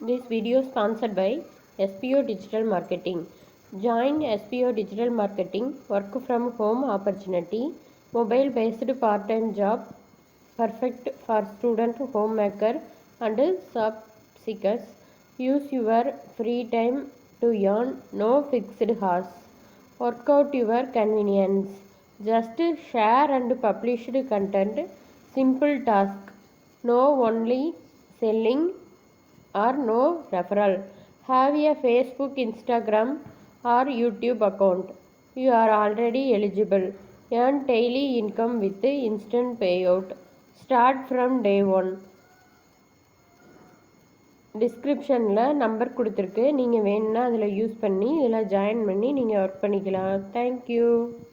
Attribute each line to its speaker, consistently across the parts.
Speaker 1: This video is sponsored by SPO Digital Marketing. Join SPO Digital Marketing work from home opportunity, mobile based part-time job, perfect for student, homemaker and job seekers. Use your free time to earn, no fixed hours. Work out your convenience. Just share and publish content. Simple task. No only selling or no referral. Have a Facebook, Instagram or YouTube account. You are already eligible. Earn daily income with instant payout. Start from day 1. டிஸ்கிரிப்ஷனில் number கொடுத்துருக்கு, நீங்கள் வேணும்னா அதில் use பண்ணி இதில் join பண்ணி நீங்கள் work பண்ணிக்கலாம். தேங்க்யூ.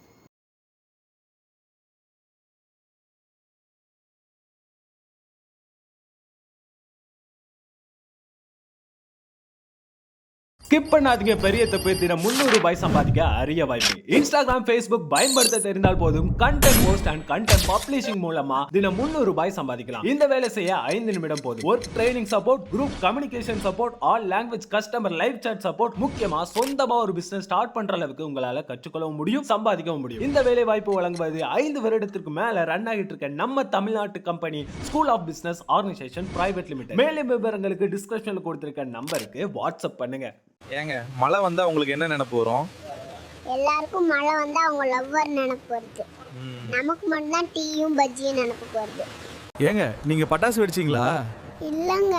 Speaker 2: ஸ்கிப் பண்ணாதீங்க, பெரிய தப்பு. தினம் 300 ரூபாய் சம்பாதிக்க அரிய வாய்ப்பு. இன்ஸ்டாகிராம், ஃபேஸ்புக் பயன்படுத்த தெரிந்தால் போதும். Content post and content publishing மூலமா தினம் 300 ரூபாய் சம்பாதிக்கலாம். இந்த வேலை செய்ய 5 நிமிடம் போதும். Work training support, group communication support, all language customer live chat support, முக்கியமா சொந்தமா ஒரு பிசினஸ் ஸ்டார்ட் பண்ற அளவுக்கு உங்களால கற்றுக்கொள்ளவும் முடியும், சம்பாதிக்கவும் முடியும். இந்த வேலை வாய்ப்பு வழங்குவது 5 வருடத்திற்கு மேல ரன் ஆகிட்டு இருக்க நம்ம தமிழ்நாட்டு company school of business organisation private limited. மேலும் விவரங்களுக்கு டிஸ்கிரிப்ஷன்ல கொடுத்திருக்க நம்பருக்கு வாட்ஸ்அப் பண்ணுங்க.
Speaker 3: ஏங்க, மழை வந்தா உங்களுக்கு என்ன நினைப்பு வரும்?
Speaker 4: எல்லாருக்கும் மழை வந்தா அவங்க லவ்வர் நினைப்பு வருது. நமக்கு மட்டும் தான் டீயும் பஜ்ஜியும் நினைப்பு வருது.
Speaker 3: ஏங்க, நீங்க பட்டாசு வெடிச்சீங்களா?
Speaker 4: இல்லைங்க,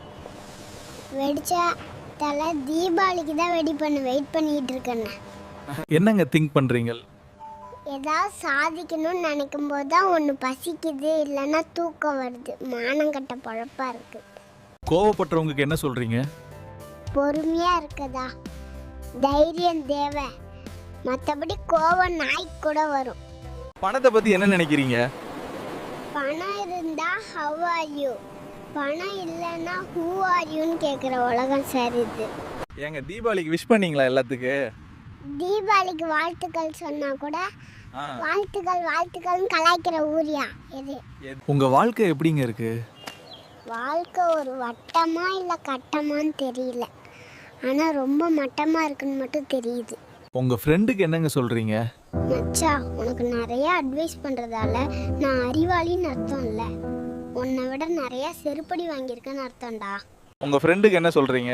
Speaker 4: வெடிச்சா தலை தீபாவளிக்கு தான் வெடி பண்ண வெயிட் பண்ணிட்டு இருக்கேன்.
Speaker 3: என்னங்க திங்க் பண்றீங்க?
Speaker 4: ஏதாவது சாதிக்கணும்னு நினைக்கும் போது தான் ஒன்று பசிக்குது, இல்லைன்னா தூக்கம் வருது. மானங்கட்ட பழப்பா இருக்கு.
Speaker 3: கோவப்படுறவங்களுக்கு என்ன சொல்றீங்க?
Speaker 4: பொறுமையா இருக்கதா, தைரியம் தேவை. மற்றபடி கோவம் நாய்க்கு கூட வரும்.
Speaker 3: பணத்தை பத்தி என்ன நினைக்கிறீங்க?
Speaker 4: பணம் இருந்தா ஹவ் ஆர் யூ, பணம் இல்லைன்னா ஹூ ஆர் யூன்னு கேட்குற உலகம் சரிது.
Speaker 3: ஏங்க, தீபாவளிக்கு விஷ் பண்ணீங்களா எல்லாத்துக்கு?
Speaker 4: தீபாவளிக்கு வாழ்த்துக்கள் சொன்னா கூட வாழ்த்துக்கள் வாழ்த்துக்கள்னு கலாய்க்கிற ஊரியா இது?
Speaker 3: உங்க வாழ்க்கை எப்படிங்க இருக்கு?
Speaker 4: வாழ்க்கை ஒரு வட்டமா இல்லை கட்டமான்னு தெரியல, ஆனால் ரொம்ப மட்டமாக இருக்குன்னு மட்டும் தெரியுது.
Speaker 3: உங்க ஃப்ரெண்டுக்கு என்னங்க சொல்றீங்க?
Speaker 4: மச்சா, உனக்கு நிறைய அட்வைஸ் பண்ணுறதால நான் அறிவாளின்னு அர்த்தம் இல்லை, உன்னை விட நிறைய செருப்படி வாங்கியிருக்கேன்னு அர்த்தம்டா.
Speaker 3: உங்க ஃப்ரெண்டுக்கு என்ன சொல்றீங்க?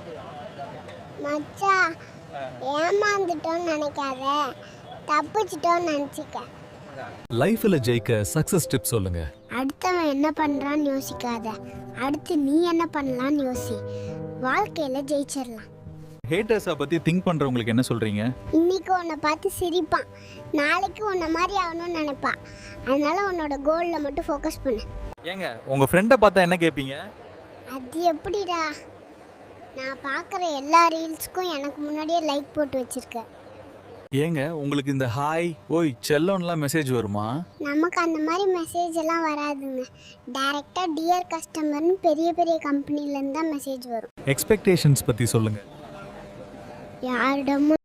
Speaker 4: மச்சா, ஏமாந்துட்டோன்னு நினைக்காத, தப்பிச்சிட்டோன்னு நினச்சிக்க.
Speaker 5: லைஃப்ல ஜெயிக்க சக்சஸ் டிப்ஸ் சொல்லுங்க.
Speaker 4: அடுத்தவன் என்ன பண்றான்னு யோசிக்காத, அடுத்து நீ என்ன பண்ணலான்னு யோசி. வாழ்க்கையில ஜெயிச்சிடலாம்.
Speaker 3: ஹேட்டர்ஸை பத்தி திங்க் பண்றவங்களுக்கு என்ன சொல்றீங்க?
Speaker 4: இன்னைக்கு உன்னை பார்த்து சிரிப்பான், நாளைக்கு உன்னை மாதிரி ஆகணும்னு நினைப்பான். அதனால உன்னோட கோல்ல மட்டும் ஃபோக்கஸ் பண்ணு.
Speaker 3: ஏங்க, உங்க ஃப்ரெண்டை பார்த்தா என்ன கேட்பீங்க?
Speaker 4: அது எப்படிடா, நான் பார்க்குற எல்லா ரீல்ஸ்க்கும் எனக்கு முன்னாடியே லைக் போட்டு வச்சிருக்கேன்.
Speaker 3: ஏங்க, உங்களுக்கு இந்த ஹாய் ஓய் செல்லோன்லாம் மெசேஜ் வருமா?
Speaker 4: நமக்கு அந்த மாதிரி மெசேஜ் எல்லாம் வராதுங்க. டைரக்டா டியர் கஸ்டமர்னு பெரிய பெரிய கம்பெனிலேருந்து தான் மெசேஜ் வரும்.
Speaker 5: எக்ஸ்பெக்டேஷன்ஸ் பத்தி சொல்லுங்க.
Speaker 4: யாரிடமும்